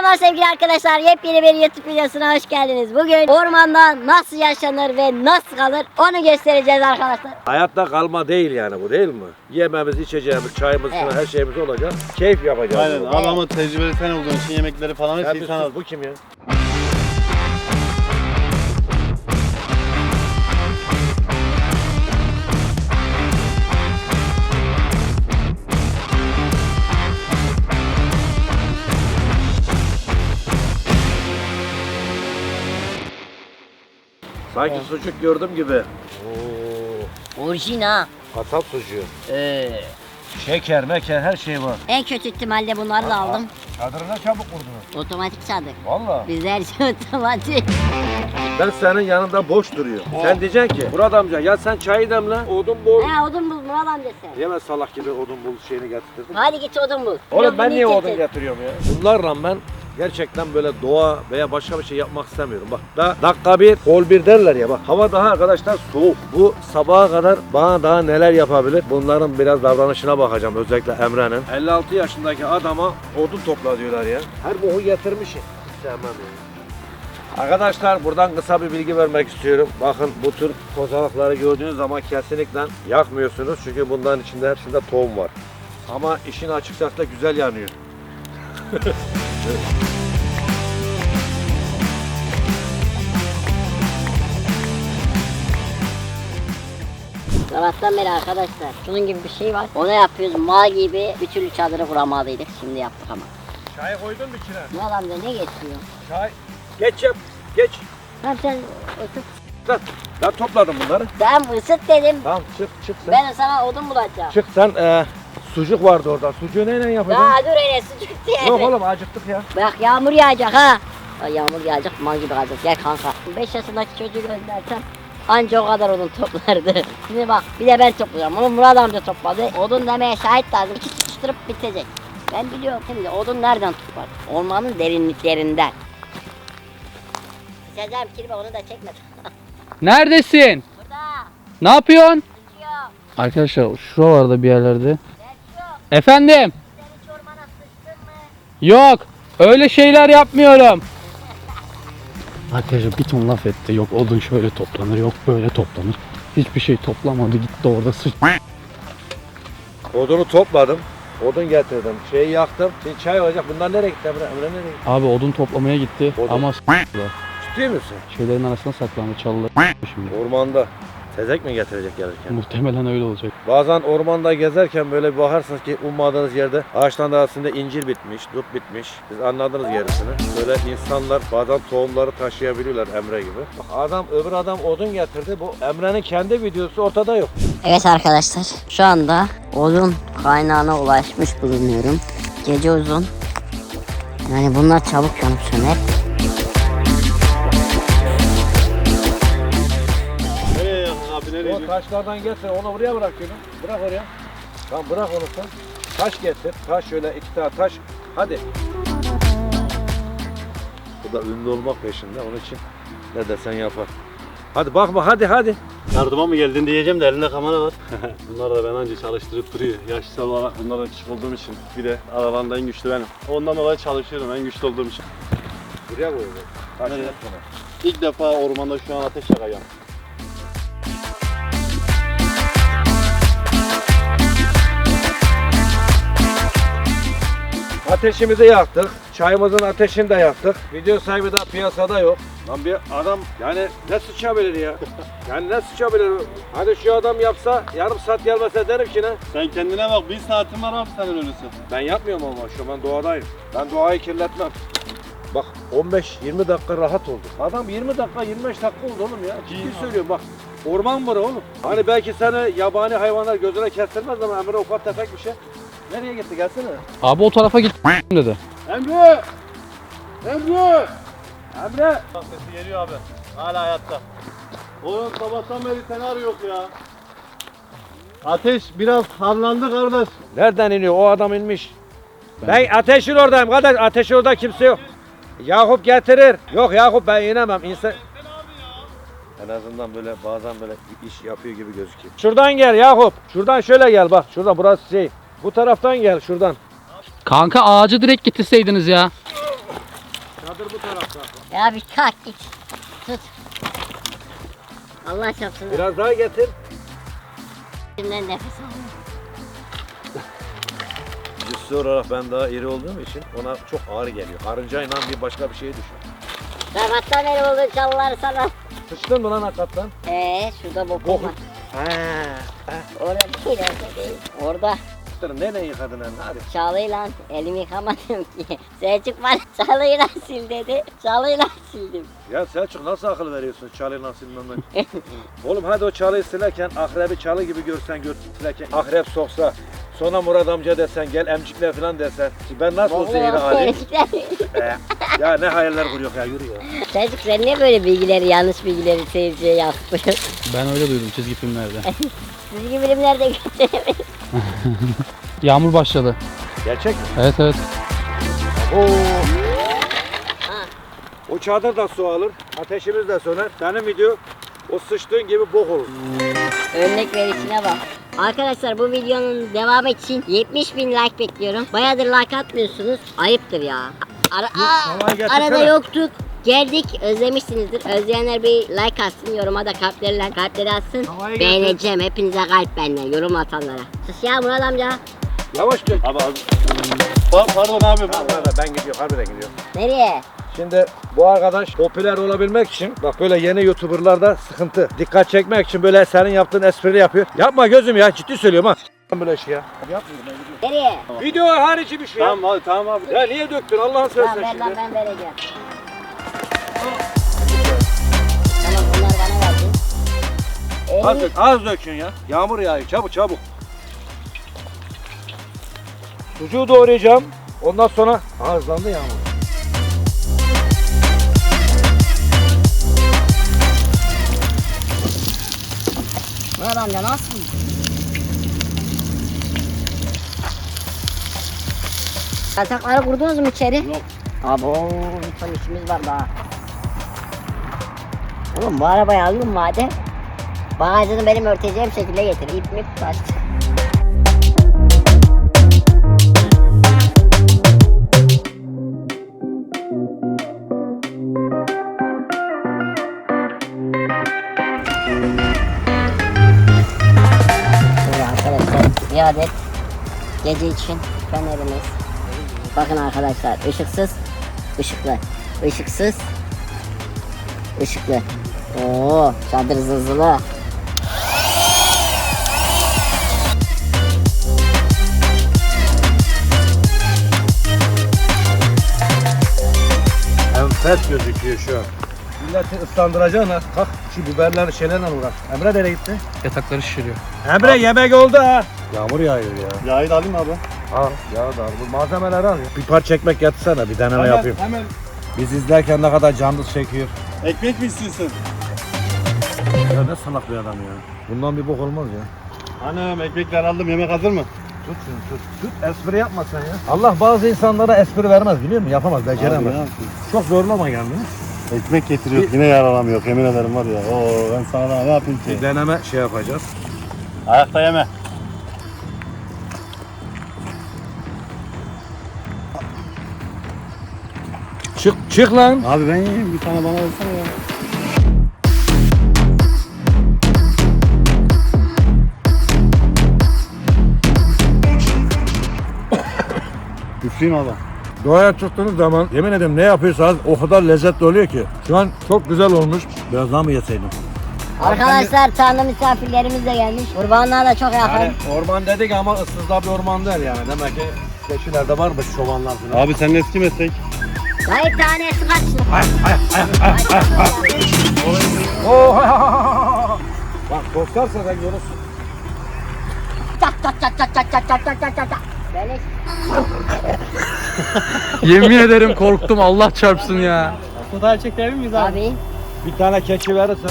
Selamlar sevgili arkadaşlar. Yepyeni bir YouTube videosuna hoş geldiniz. Bugün ormanda nasıl yaşanır ve nasıl kalır onu göstereceğiz arkadaşlar. Hayatta kalma değil yani bu, değil mi? Yememiz, içeceğimiz, çayımız, Evet. her şeyimiz olacak. Keyif yapacağız. Aynen abi, ama tecrübeli sen olduğun için yemekleri falan Sen hepsini bir sen sus, al. bu kim ya? Sanki sucuk gördüm gibi. Oo, Orijina. kasap sucuğu. Şeker, meker, her şey var. En kötü ihtimalle bunları da aldım. Çadırına çabuk vurdunuz. Otomatik çadır. Valla. Bizde her şey otomatik. Ben senin yanında boş duruyor. Sen diyeceksin ki Murat amca ya sen çayı demle, odun bul. He odun bul Murat amca sen. Yeme salak gibi odun bul şeyini getirdim. Hadi git odun bul. Oğlum ben Odunu niye getir. odun getiriyorum ya? Bunlarla ben gerçekten böyle doğa veya başka bir şey yapmak istemiyorum. Bak daha dakika bir, gol bir derler ya bak. Hava daha arkadaşlar soğuk. Bu sabaha kadar bana daha neler yapabilir? Bunların biraz davranışına bakacağım. Özellikle Emre'nin. 56 yaşındaki adama odun topla diyorlar ya. Her boğu getirmişim. Sevmem ya. Arkadaşlar buradan kısa bir bilgi vermek istiyorum. Bakın bu tür kozalakları gördüğünüz zaman kesinlikle yakmıyorsunuz. Çünkü bunların hepsinde tohum var. Ama işin açıkçası da güzel yanıyor. Sabahtan beri arkadaşlar şunun gibi bir şey var. Onu yapıyoruz mal gibi bir türlü çadırı kuramadıydık. Şimdi yaptık ama. Çay koydun mu içine? Murat amca ne getiriyor? Çay. Geç yap. Geç. Tamam sen ısıt. Lan. Ben topladım bunları. Ben ısıt dedim. Tamam çık sen. Ben sana odun bulacağım. Çık sen. Sucuk vardı orada. Sucuğu neyle yapacaksın? Daha dur hele sucuk diye. Yok oğlum acıktık ya. Bak yağmur yağacak ha. Ay, yağmur yağacak mal gibi kalacak. Gel kanka. 5 yaşındaki çocuğu göndersem anca o kadar odun toplardı. Şimdi bak bir de ben toplayacağım. Onu Murat amca topladı. Odun demeye şahit lazım. İki sıkıştırıp bitecek. Ben biliyorum şimdi odun nereden toplar? Ormanın derinliklerinden. Sezer kirbe onu da çekme. Neredesin? Burada. Ne yapıyorsun? Sıçıyor. Arkadaşlar şuralarda bir yerlerde. Sıçıyor. Efendim? Sen hiç ormana sıçtın mı? Yok. Öyle şeyler yapmıyorum. Arkadaşlar bir ton laf etti. Yok odun şöyle toplanır, yok böyle toplanır. Hiçbir şey toplamadı, gitti orada sıç. Odunu topladım. Odun getirdim. Şeyi yaktım. Şimdi çay olacak. Bunlar nereye gitti Emre? Emre nereye gitti? Abi odun toplamaya gitti Odun. ama Ciddi misin? şeylerin arasına saklandı, çalılar şimdi. Ormanda. Tezek mi getirecek gelirken? Muhtemelen öyle olacak. Bazen ormanda gezerken böyle bir bakarsınız ki ummadığınız yerde ağaçların arasında incir bitmiş, dut bitmiş. Siz anladınız gerisini. Böyle insanlar bazen tohumları taşıyabiliyorlar Emre gibi. Bak adam öbür adam odun getirdi. Bu Emre'nin kendi videosu ortada yok. Evet arkadaşlar şu anda odun kaynağına ulaşmış bulunuyorum. Gece uzun. Yani bunlar çabuk yanıp söner. Nereye yakın abi, nereye O gidiyorsun? taşlardan getir onu buraya bırak şunu. Bırak oraya. Tamam bırak onu sen. Taş getir. Taş şöyle 2 tane taş. Hadi. Bu da ünlü olmak peşinde. Onun için ne desen yapar. Hadi bakma hadi. Yardıma mı geldin diyeceğim de elinde kamera var. Bunlar da ben anca çalıştırıp duruyor. Yaşlı olarak bunlardan küçük olduğum için. Bir de aralarında en güçlü benim. Ondan dolayı çalışıyorum en güçlü olduğum için. Buraya koyuyor. Taş Nereye? yap bana. İlk defa ormanda şu an ateş yakacağım. Ateşimizi yaktık. Çayımızın ateşini de yaktık. Video sahibi de piyasada yok. Lan bir adam yani ne sıçabilir ya? Yani ne sıçabilir? Hani şu adam yapsa yarım saat gelmese derim ki ne? Sen kendine bak, bir saatin var abi senin önüsü. Ben yapmıyorum ama şu an doğadayım. Ben doğayı kirletmem. Bak 15-20 dakika rahat oldu. Adam 20 dakika 25 dakika oldu oğlum ya. Ciddi söylüyorum bak. Orman var oğlum. Hani belki seni yabani hayvanlar gözüne kestirmez ama Emre ufak tefek bir şey. Nereye gitti gelsene. Abi o tarafa git dedi. Emre! Emre! Emre! Bak sesi geliyor abi. Hala hayatta. Oğlum sabahtan beri seni arıyor ya. Ateş biraz harlandı kardeş. Nereden iniyor? O adam inmiş. Ben ateşin oradayım kardeş. Ateşin orada kimse yok. Yakup getirir. Yok Yakup ben inemem. İnsan... En azından böyle bazen böyle iş yapıyor gibi gözüküyor. Şuradan gel Yakup. Şuradan şöyle gel bak. Şuradan burası şey. Bu taraftan gel şuradan. Kanka ağacı direkt getirseydiniz ya. Çadır bu tarafta. Ya bir kalk git. Tut. Allah çarpsın. Biraz daha getir. İçimden nefes alıyorum. Cüssü olarak ben daha iri olduğum için ona çok ağır geliyor. Karıncayla bir başka bir şeye düşüyor. Sabahtan beri oldu çalılar sana. Sıçtın mı lan hakikaten? Şurada bokum Bok. var. He. Orada değil, orada değil. Orada. Nereye yıkadın lan? Hadi. Çalıyla elimi yıkamadım ki. Selçuk bana çalıyla sil dedi. Çalıyla sildim. Ya Selçuk nasıl akıl veriyorsun çalıyla silmemden? Oğlum hadi o çalıyı silerken akrebi çalı gibi görsen silerken akrep soksa sonra Murat amca desen gel emcikle falan desen ben nasıl o zehri alayım? Ya ne hayaller kuruyor ya yürü ya. Selçuk sen niye böyle bilgileri, yanlış bilgileri seyirciye yansıtıyorsun? Ben öyle duydum çizgi filmlerde. Çizgi filmlerde gösteremeyiz. Yağmur başladı. Gerçek mi? Evet evet. Oo. Ha. O çadır da su alır, ateşimiz de söner. Benim video o sıçtığın gibi bok olur. Örnek verişine bak. Arkadaşlar bu videonun devamı için 70.000 like bekliyorum. Bayağıdır like atmıyorsunuz. Ayıptır ya. havayı getirsene. Arada yoktuk. Geldik, özlemişsinizdir. Özleyenler bir like atsın, yoruma da kalpleri atsın. Havayı Beğeneceğim, hepinize kalp benden, yorum atanlara. Sus ya Murat amca. Yavaş gel. Abi. Pardon abi. Ben gidiyorum, harbiden gidiyorum. Nereye? Şimdi bu arkadaş popüler olabilmek için bak böyle yeni youtuberlarda sıkıntı. Dikkat çekmek için böyle senin yaptığın esprili yapıyor. Yapma gözüm ya ciddi söylüyorum ha. Böyle şey ya. Yapmıyorum ben gidiyorum. Nereye? Video harici bir şey ya. Tamam abi tamam abi. Ya niye döktün Allah'ın Tamam seversen ver lan şimdi. ben vereceğim. Tamam bunlar bana verdi. Az dök, az dökün ya. Yağmur yağıyor çabuk çabuk. Sucuğu doğrayacağım. Ondan sonra ağızlandı yağmur. Murat amca nasıl? Yatakları kurdunuz mu içeri? Yok. Abo, son işimiz var daha. Oğlum bu arabayı aldın madem. Bagajını benim örteceğim şekilde getir. İp mi kaçtı? Şöyle arkadaşlar bir adet gece için fenerimiz. Bakın arkadaşlar ışıksız, ışıklı, ışıksız, ışıklı. Oo, çadır zızılı. Enfes gözüküyor şu an. Milleti ıslandıracaksın ha. Kalk şu biberleri şeylerle uğraş. Emre nereye gitti? Yatakları şişiriyor. Emre yemek oldu ha. Yağmur yağıyor ya. Yağı da alayım abi. Al ya da bu malzemeleri al. Bir parça ekmek yatsana bir deneme yapayım. Hemen. Biz izlerken ne kadar canlı çekiyor. Ekmek mi istiyorsun? Ya ne salak bir adam ya. Bundan bir bok olmaz ya. Hanım ekmekler aldım, yemek hazır mı? Tut şunu tut. Tut espri yapma sen ya. Allah bazı insanlara espri vermez biliyor musun? Yapamaz, beceremez. Abi ya. Çok zorlama kendini. Ekmek getiriyor, yine yaralamıyor, yemin ederim var ya. Oo ben sana daha ne yapayım Bir ki? deneme şey yapacağız. Ayakta yeme. Çık lan. Abi ben yiyeyim, bir tane bana versene ya. Üfleyeyim abi. Doğaya çıktığınız zaman yemin ederim ne yapıyorsanız o kadar lezzetli oluyor ki. Şu an çok güzel olmuş. Biraz daha mı yeseydim? Arkadaşlar tanrı misafirlerimiz de gelmiş. Kurbanlar da çok yakın. Yani orman dedik ama ıssızda bir orman değil yani. Demek ki keçilerde varmış çobanlar falan. Abi senin eski meslek. Dayı tanesi kaç lira? Oo, bak korkarsa sen görürsün. Çak çak çak çak çak çak çak çak çak çak çak. Böyle Yemin ederim korktum Allah çarpsın ya. Fotoğraf çekebilir miyiz abi? abi. Bir tane keçi verirsen.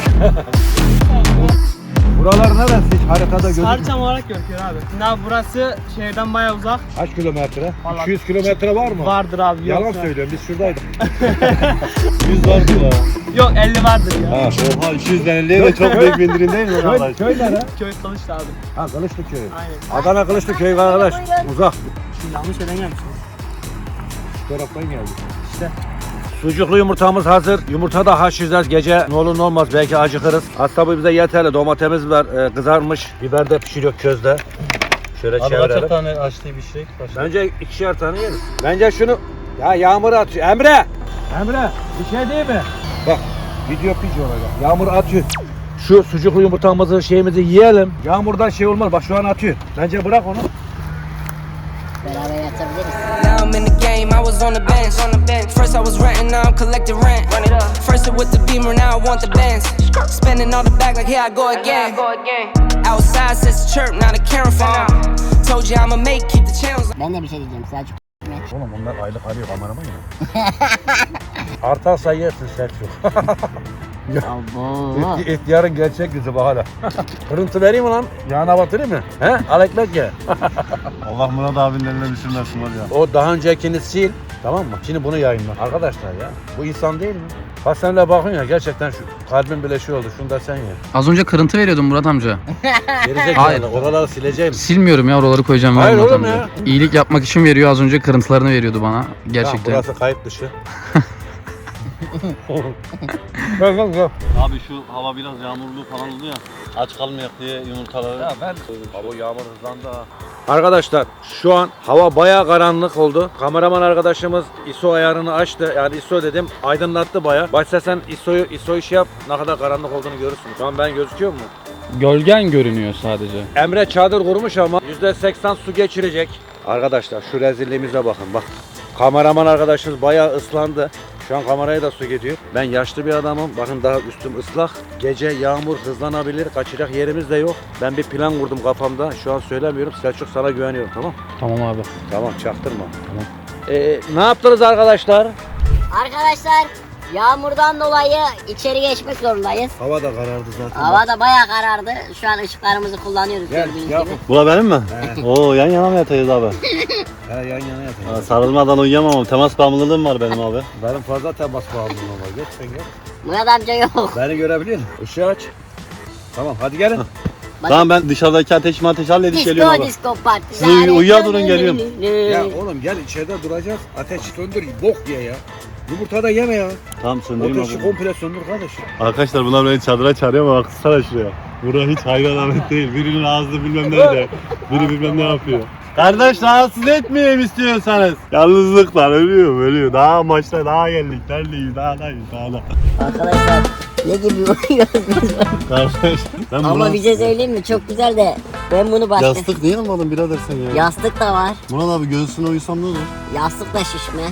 Buralar neresi hiç haritada gözükmüyor. Sarıçam olarak gözüküyor abi. Şimdi abi burası şehirden bayağı uzak. Kaç kilometre? Vallahi 200 kilometre var mı? Vardır abi. Yalan yoksa- söylüyorum biz şuradaydık. 100 vardı ya. Yok 50 vardır ya. Ha, Oha 250'ye de çok büyük bir indirim değil mi arkadaş? köy nere? Köy Kılıçlı abi. Ha Kılıçlı köyü. Aynen. Adana Kılıçlı köyü arkadaş. Uzak. Şimdi yanlış yerden gelmişsiniz. Şu taraftan geldik. İşte. Sucuklu yumurtamız hazır. Yumurta da haşlayacağız gece. Ne olur ne olmaz belki acıkırız. Aslında bu bize yeterli. Domatesimiz var kızarmış. Biber de pişiriyor közde. Şöyle Abi çevirelim. kaç tane açtığı bir şey? Bence 2'şer tane yeriz. Bence şunu... Ya Yağmur atıyor. Emre! Emre! Bir şey değil mi? Bak video piç olacak. Yağmur atıyor. Şu sucuklu yumurtamızı şeyimizi yiyelim. Yağmurdan şey olmaz. Bak şu an atıyor. Bence bırak onu. Beraber yatabiliriz. Now I'm in the game, I was on the bench. First I was renting, now I'm collecting rent. First it with the Beamer, now I want the Benz. Spending all the bag like here I go again. Outside says the chirp, now the camera phone. Told you I'ma make, keep the channels. Ben de bir şey diyeceğim Selçuk. Oğlum onlar aylık arıyor kameraman ya. Artarsa yersin Selçuk. Abo. İhtiyarın gerçek yüzü bak hala. Kırıntı vereyim mi lan? Yağına batırayım mı? He? Al ekmek ye. Allah Murat abinin eline düşürmesin var ya. O daha öncekini sil. Tamam mı? Şimdi bunu yayınla. Arkadaşlar ya bu insan değil mi? Bak sen de bakın ya gerçekten şu kalbin bile şey oldu. Şunu da sen ye. Az önce kırıntı veriyordum Murat amca. Gerizekalı. Hayır. Oraları sileceğim. Silmiyorum ya, oraları koyacağım. Hayır Murat oğlum amca. ya. İyilik yapmak için veriyor, az önce kırıntılarını veriyordu bana. Tamam, Gerçekten. burası kayıt dışı. Gel. Abi şu hava biraz yağmurlu falan oldu ya. Aç kalmayak diye yumurtaları. Ya ben... Abi yağmur hızlandı ha. Arkadaşlar şu an hava bayağı karanlık oldu. Kameraman arkadaşımız ISO ayarını açtı. Yani ISO dedim aydınlattı bayağı. Başta sen ISO'yu şey yap, ne kadar karanlık olduğunu görürsün. Şu an ben gözüküyor mu? Gölgen görünüyor sadece. Emre çadır kurmuş ama %80 su geçirecek. Arkadaşlar şu rezilliğimize bakın bak. Kameraman arkadaşımız bayağı ıslandı. Şu an kameraya da su gidiyor. Ben yaşlı bir adamım. Bakın daha üstüm ıslak. Gece yağmur hızlanabilir. Kaçacak yerimiz de yok. Ben bir plan kurdum kafamda. Şu an söylemiyorum. Selçuk sana güveniyorum, tamam? Tamam abi. Tamam, çaktırma. Tamam. Ne yaptınız arkadaşlar? Arkadaşlar yağmurdan dolayı içeri geçmek zorundayız. Hava da karardı zaten. Hava da bayağı karardı. Şu an ışıklarımızı kullanıyoruz Gel, gördüğünüz gel. gibi. Bura benim mi? Oo yan yana mı yatayız abi? He, yan yana yatın. Ha, sarılmadan uyuyamam. Temas bağımlılığım var benim abi. Benim fazla temas bağımlılığım var. Geç sen gel. Murat amca yok. Beni görebiliyor musun? Işığı aç. Tamam, hadi gelin. Tamam ben dışarıdaki ateş halledip geliyorum abi. Disco parti. Siz uyuya durun, geliyorum. Ya oğlum gel içeride duracağız. Ateşi söndür. Bok ye ya. Yumurta da yeme ya. Tamam söndüreyim Ateşi abi. komple söndür kardeşim. Arkadaşlar bunlar beni çadıra çağırıyor ama baksana şuraya. Bura hiç hayvan alamet değil. Birinin ağzı bilmem nerede. Biri bilmem ne yapıyor. Kardeş rahatsız etmeyeyim istiyorsanız. Yalnızlıklar ölüyor. Daha maçta daha geldik. Neredeyiz daha. Arkadaşlar ne gibi uyuyoruz biz. Kardeş. Ben Ama bir şey söyleyeyim mi? Çok güzel de ben bunu başka... Yastık niye almadın birader sen ya? Yastık da var. Murat abi göğsüne uyusam ne olur? Yastık da şişme.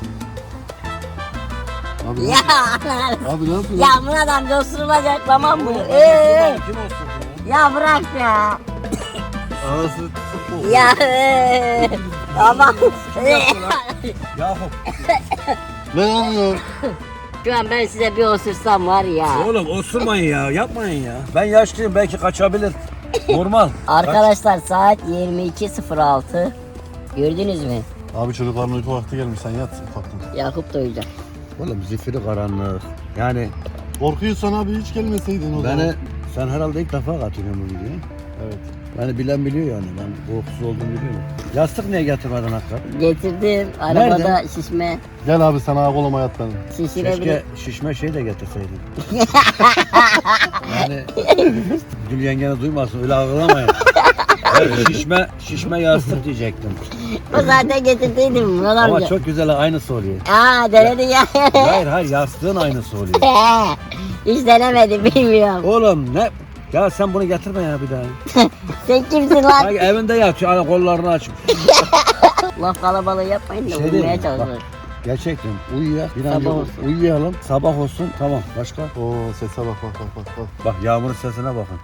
Abi, Ya abi ne yapıyorsun? ya Murat amca osurulacak tamam mı? Kim olsun? Ya bırak ya. Anası Ya tamam. Yakup. Ne oluyor? Şu an ben size bir osursam var ya. Oğlum osurmayın ya. Yapmayın ya. Ben yaşlıyım. Belki kaçabilir. Normal. Arkadaşlar saat 22.06. Gördünüz mü? Abi çocukların uyku vakti gelmiş sen yat ufaktan. Yakup da uyuyacak. Oğlum zifiri karanlık. Yani Korkuyorsan abi hiç gelmeseydin o zaman. sen herhalde ilk defa katılıyorsun bu videoya. Evet. Yani bilen biliyor yani. Ben korkusuz olduğumu biliyorum. Yastık niye getirmedin hakikaten? Getirdim. Arabada şişme. Gel abi sen ayak olama yat benim. Şişirebilir. Keşke şişme şey de getirseydin. Yani Gül yengene duymasın öyle ağlamayın. Evet, şişme yastık diyecektim. O zaten getirdiydim Murat Ama amca. çok güzel aynısı oluyor. Denedin ya. Hayır yastığın aynısı oluyor. Hiç denemedim bilmiyorum. Oğlum ne? Ya sen bunu getirme ya bir daha. Sen kimsin lan? Hayır, evinde yatıyor hani kollarını açıp. Laf kalabalığı yapmayın da Şey değil uyumaya mi? çalışıyoruz. Gerçekten uyuyak bir an Sabah önce olsun. uyuyalım sabah olsun tamam başka. Oo sese bak. Bak yağmurun sesine bakın.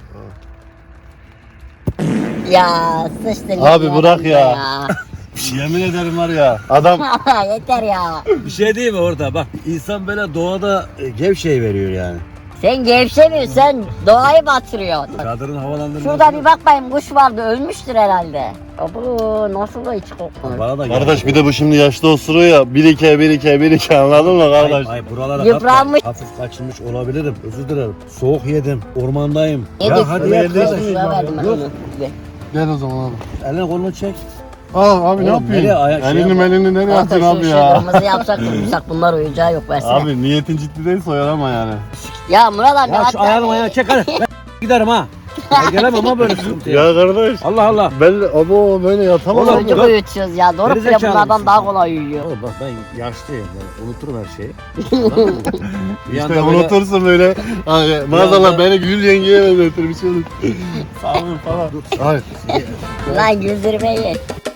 Ya sıçtın. Abi bırak ya. Yemin ederim var ya. Adam Yeter ya. Bir şey değil mi orada bak insan böyle doğada gevşeyi veriyor yani. Sen gevşemiyorsun, sen doğayı batırıyorsun. Çadırın havalandırması. Şurada bir bakmayın kuş vardı, ölmüştür herhalde. Abo nasıl da hiç kokmuyor. Bana da kardeş bir de bu şimdi yaşlı osuruyor ya. Bir iki anladın mı kardeş? Ay buralara Yıpranmış. bakma. Hafif kaçınmış olabilirim. Özür dilerim. Soğuk yedim. Ormandayım. Yedik, Ya hadi öyle ya yapıyorsun, kardeş. şuraya verdim ben Yok. onu. Gel o zaman abi. Elini kolunu çek. Abi ne Oğlum, nereye yapıyorsun? şey Elini melini nereye atacaksın Zaten abi şu ya? kırmızı yapsak da uyusak bunlar uyuyacağı yok versene. Abi niyetin ciddi değil soyar ama yani. Ya Murat abi Ya şu hatta- ayağını çek hadi. Ben giderim ha. Ben gelemem ha böyle sıkıntıya. Ya kardeş. Allah Allah. Ben abo böyle yatamam Oğlum, abi. Çocuk uyutuyoruz ya. Doğru bile Gerizekalı bunlardan mısın daha sen? kolay uyuyor. Oğlum bak ben yaşlıyım. Ben unuturum her şeyi. Bir İşte anda böyle- unutursun böyle. Hani maazallah anda- beni Gül yengeye benzetir bir şey olur. Sağ olun falan. Hayır. Lan güldürmeyi.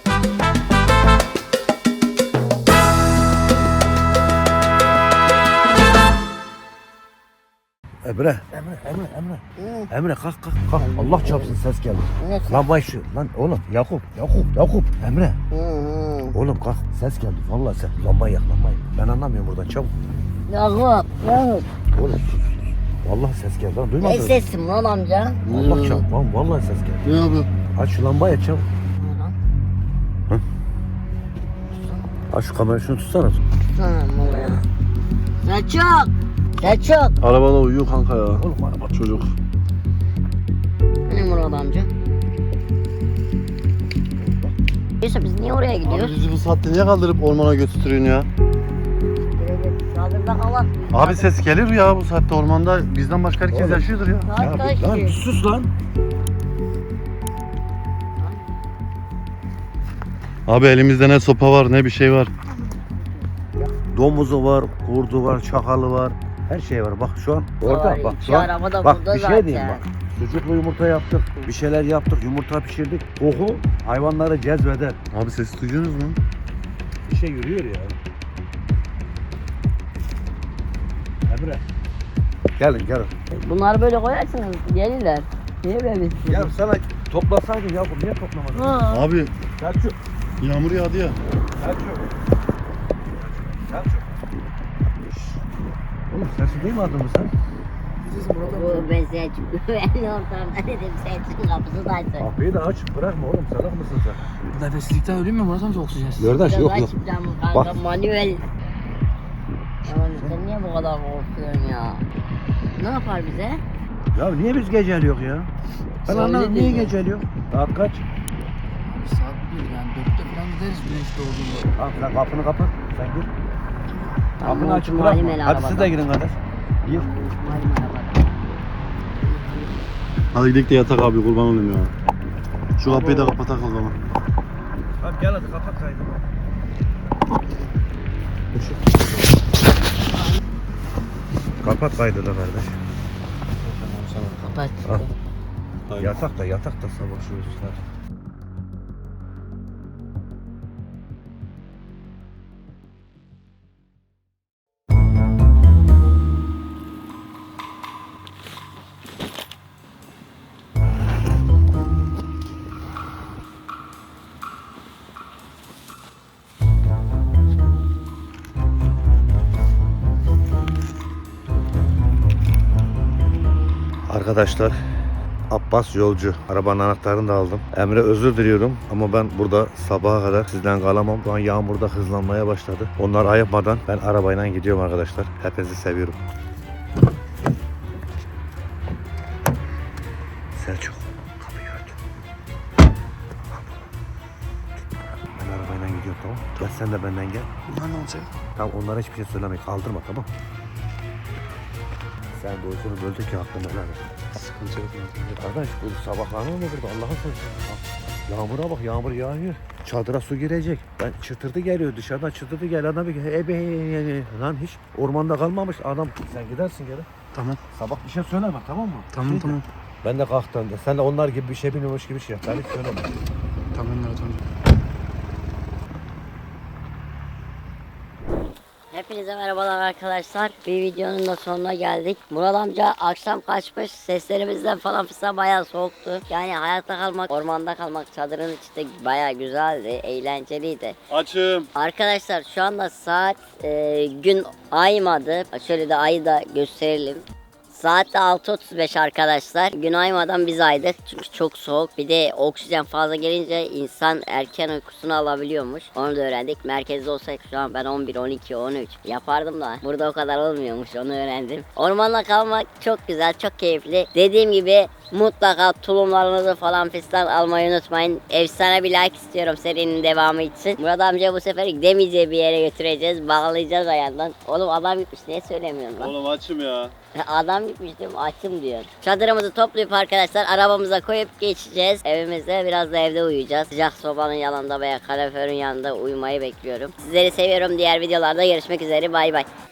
Emre. Emre kalk. Allah çarpsın ses geldi. Lan vay şu. Lan oğlum Yakup. Emre. Oğlum kalk ses geldi. Vallahi sen lambayı yak. Ben anlamıyorum buradan çabuk. Yakup. Oğlum sus. Vallahi ses geldi lan Ne duymadın mı? sesim lan amca? Allah çarp lan vallahi ses geldi. Ne abi? Aç şu lambayı çabuk. Aç şu kamerayı şunu tutsana. Tamam ya. Selçuk. Arabada uyuyor kanka ya. Oğlum araba Çocuk. Ne Murat amca? Neyse biz niye oraya Abi gidiyoruz? bizi bu saatte niye kaldırıp ormana götürtüyorsun ya? Çadırda kalan. Abi ses gelir ya bu saatte ormanda. Bizden başka herkes Oğlum. yaşıyordur ya. Saat kaç Lan bir ki? sus lan. Abi elimizde ne sopa var ne bir şey var. Domuzu var, kurdu var, çakalı var. Her şey var. Bak şu an orada Ay, bak iki şu an. araba da Bak burada bir şey zaten. diyeyim bak. Sucuklu yumurta yaptık. Bir şeyler yaptık. Yumurta pişirdik. Koku hayvanları cezbeder. Abi ses duyuyorsunuz mu? Bir şey yürüyor ya. Emre. Gelin. Bunları böyle koyarsınız gelirler. Niye böyle Ya sana toplasaydın yavrum niye toplamadın? Abi Selçuk. yağmur yağdı ya. Selçuk. Oğlum sesi duymadın mı sen? Bu ben Selçuk. Ben ortamda dedim Selçuk'un kapısı da açsın. Kapıyı da aç. Bırakma oğlum salak mısın sen? Nefeslikten öleyim mi Murat amca oksijensiz? Nereden Biraz açacağım kanka Bak. manuel. Ya sen niye bu kadar korkuyorsun ya? Ne yapar bize? Ya niye biz geceliyor ya? Ben Söyle anlamadım niye dedi. geceliyor? Saat kaç? Saat 1 yani 4'te falan gideriz güneş doğduğunda. Tamam sen kapını kapat. Sen gir. Tamam, Kapını açık malim bırakma. el Hadi siz arabada. de girin kardeş. Gir. Malim arabada. Hadi gidelim de yatak abi kurban olayım ya. Şu kapıyı da kapatak o zaman. Hadi gel hadi kapat kaydı. Kapat kaydı da kardeş. Kapat. Al. Yatak da sabah şu üstler. Arkadaşlar Abbas yolcu. Arabanın anahtarını da aldım. Emre özür diliyorum ama ben burada sabaha kadar sizden kalamam. Şu an yağmurda hızlanmaya başladı. Onlar ayıpmadan ben arabayla gidiyorum arkadaşlar. Hepinizi seviyorum. Selçuk kapıyı ört. Ben arabayla gidiyorum tamam. Gel sen de benden gel. Bunlar ne olacak? Tamam onlara hiçbir şey söyleme. Kaldırma tamam. Sen de uykunu böldün ki aklını helal et. Sıkıntı yok. Arkadaş bu sabahlanır mı burada Allah'ın sözü. Yağmura bak yağmur yağıyor. Çadıra su girecek. Ben çıtırdı geliyor dışarıdan çıtırdı gel adam bir lan hiç ormanda kalmamış adam. Sen gidersin geri. Tamam. Sabah bir şey söyleme tamam mı? Tamam tamam. Ben de kalktım. Sen de onlar gibi bir şey bilmiyormuş gibi şey yap. Ben hiç söyleme. Tamam Murat amca. Hepinize merhabalar arkadaşlar. Bir videonun da sonuna geldik. Murat amca akşam kaçmış. Seslerimizden falan filan bayağı soğuktu. Yani hayatta kalmak, ormanda kalmak, çadırın içinde bayağı güzeldi, eğlenceliydi. Açım. Arkadaşlar şu anda saat gün aymadı. Şöyle de ayı da gösterelim. Saat de 6:35 arkadaşlar. Gün aymadan biz aydık çünkü çok soğuk. Bir de oksijen fazla gelince insan erken uykusunu alabiliyormuş. Onu da öğrendik. Merkezde olsaydık şu an ben 11, 12, 13 yapardım da burada o kadar olmuyormuş, onu öğrendim. Ormanda kalmak çok güzel, çok keyifli. Dediğim gibi mutlaka tulumlarınızı falan fistan almayı unutmayın. Efsane bir like istiyorum serinin devamı için. Murat amca bu sefer gidemeyeceği bir yere götüreceğiz. Bağlayacağız ayağından. Oğlum adam gitmiş, niye söylemiyorsun lan? Oğlum açım ya. Adam gitmiş diyorum, açım diyor. Çadırımızı toplayıp arkadaşlar arabamıza koyup geçeceğiz. Evimizde biraz da evde uyuyacağız. Sıcak sobanın yanında veya kaloriferin yanında uyumayı bekliyorum. Sizleri seviyorum. Diğer videolarda görüşmek üzere. Bay bay.